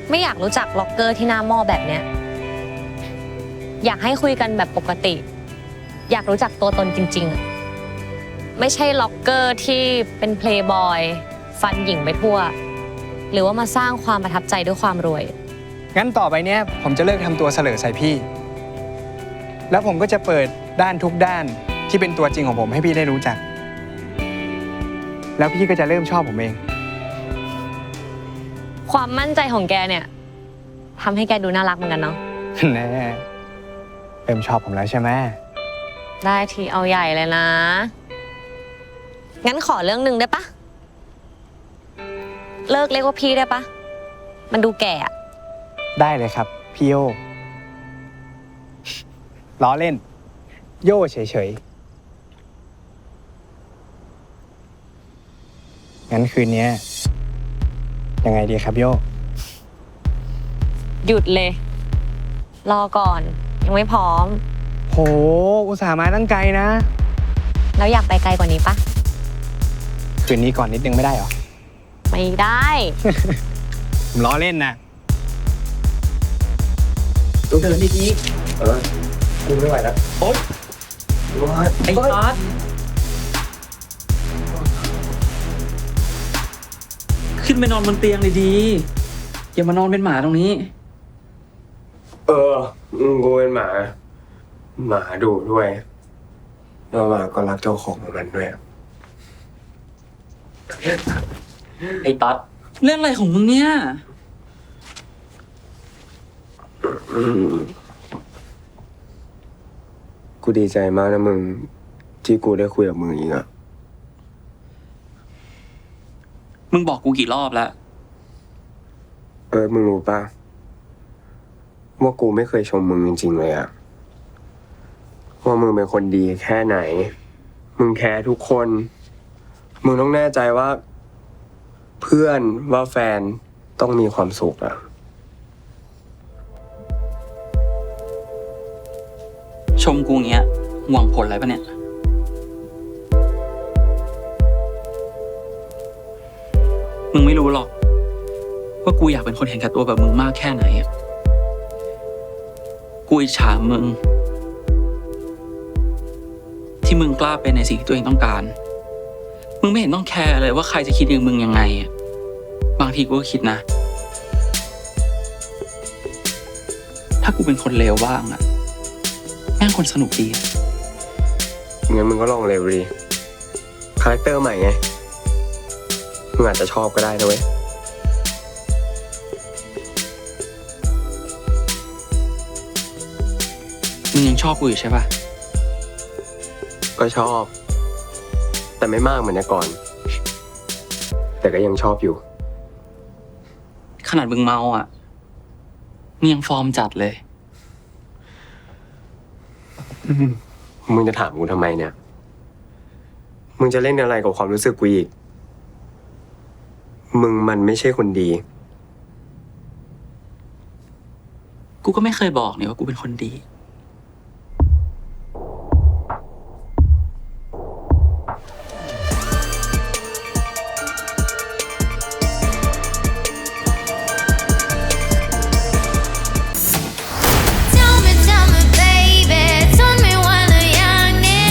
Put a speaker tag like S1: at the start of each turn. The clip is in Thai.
S1: ไม่อยากรู้จักล็อกเกอร์ที่หน้าหม้อแบบเนี้ยอยากให้คุยกันแบบปกติ อยากรู้จักตัวตนจริงๆอะไม่ใช่ล็อกเกอร์ที่เป็นเพลย์บอยฟันหญิงไปทั่วหรือว่ามาสร้างความประทับใจด้วยความรวย
S2: งั้นต่อไปเนี้ยผมจะเลิกทำตัวเสลอใส่พี่ แล้วผมก็จะเปิดด้านทุกด้านที่เป็นตัวจริงของผมให้พี่ได้รู้จัก แล้วพี่ก็จะเริ่มชอบผมเอง
S1: ความมั่นใจของแกเนี่ยทำให้แกดูน่ารักเหมือนกันเนาะ
S2: แน่เริ่มชอบผมแล้วใช่ไหม
S1: ได้ทีเอาใหญ่เลยนะงั้นขอเรื่องหนึ่งได้ปะเลิกเรียกว่าพี่ได้ปะมันดูแก่อะ
S2: ได้เลยครับพี่โยล้อเล่น โย่เฉยๆงั้นคืนนี้ยังไงดีครับโย่
S1: หยุดเลย รอก่อนยังไม่พร้อม
S2: โหอุตส่าห์มาตั้งไกลนะ
S1: แล้วอยากไปไกลกว่านี้ปะ
S2: คืนนี้ก่อนนิดนึงไม่ได้หรอ
S1: ไม่ได้
S2: ผมล้อเล่นนะ
S3: ต้องเดินดี
S2: กูไม่ไหวแล้ว
S3: ๆโอ๊ยไอ้ตอดขึ้นไปนอนบนเตียงเลยดี อย่ามานอนเป็นหมาตรงนี้
S4: กูเป็นหมา หมาดุด้วยแล้วหมาก็รักเจ้าของมันด้วย
S3: ไอ้ตอดเรื่องอะไรของมึงเนี่ย
S4: กูดีใจมากนะมึง ที่กูได้คุยกับมึงอีกอะ
S3: มึงบอกกูกี่รอบแล้ว
S4: มึงรู้ปะว่ากูไม่เคยชมมึงจริงๆเลยอะว่ามึงเป็นคนดีแค่ไหน มึงแคร์ทุกคน มึงต้องแน่ใจว่า เพื่อนว่าแฟนต้องมีความสุขอะ
S3: ชมกูอย่างเงี้ยหวังผลอะไรปะเนี่ย มึงไม่รู้หรอก ว่ากูอยากเป็นคนเห็นแก่ตัวแบบมึงมากแค่ไหนอะกูอิจฉามึง ที่มึงกล้าเป็นในสิ่งที่ตัวเองต้องการ มึงไม่เห็นต้องแคร์เลยว่าใครจะคิดอย่างมึงยังไงอะบางทีกูก็คิดนะ ถ้ากูเป็นคนเลวบ้างอะแม่งคนสนุกดีอะ
S4: งั้นมึงก็ลองเร็วดีคาแรคเตอร์ใหม่ไง มึงอาจจะชอบก็ได้นะเว้ย
S3: มึงยังชอบกูอยู่ใช่ปะ
S4: ก็ชอบ แต่ไม่มากเหมือนแต่ก่อน แต่ก็ยังชอบอยู่
S3: ขนาดมึงเมาอ่ะมึงยังฟอร์มจัดเลย
S4: มึงจะถามกูทำไมเนี่ย มึงจะเล่นอะไรกับความรู้สึกกูอีก มึงมันไม่ใช่คนดี
S3: กูก็ไม่เคยบอกเนี่ยว่ากูเป็นคนดี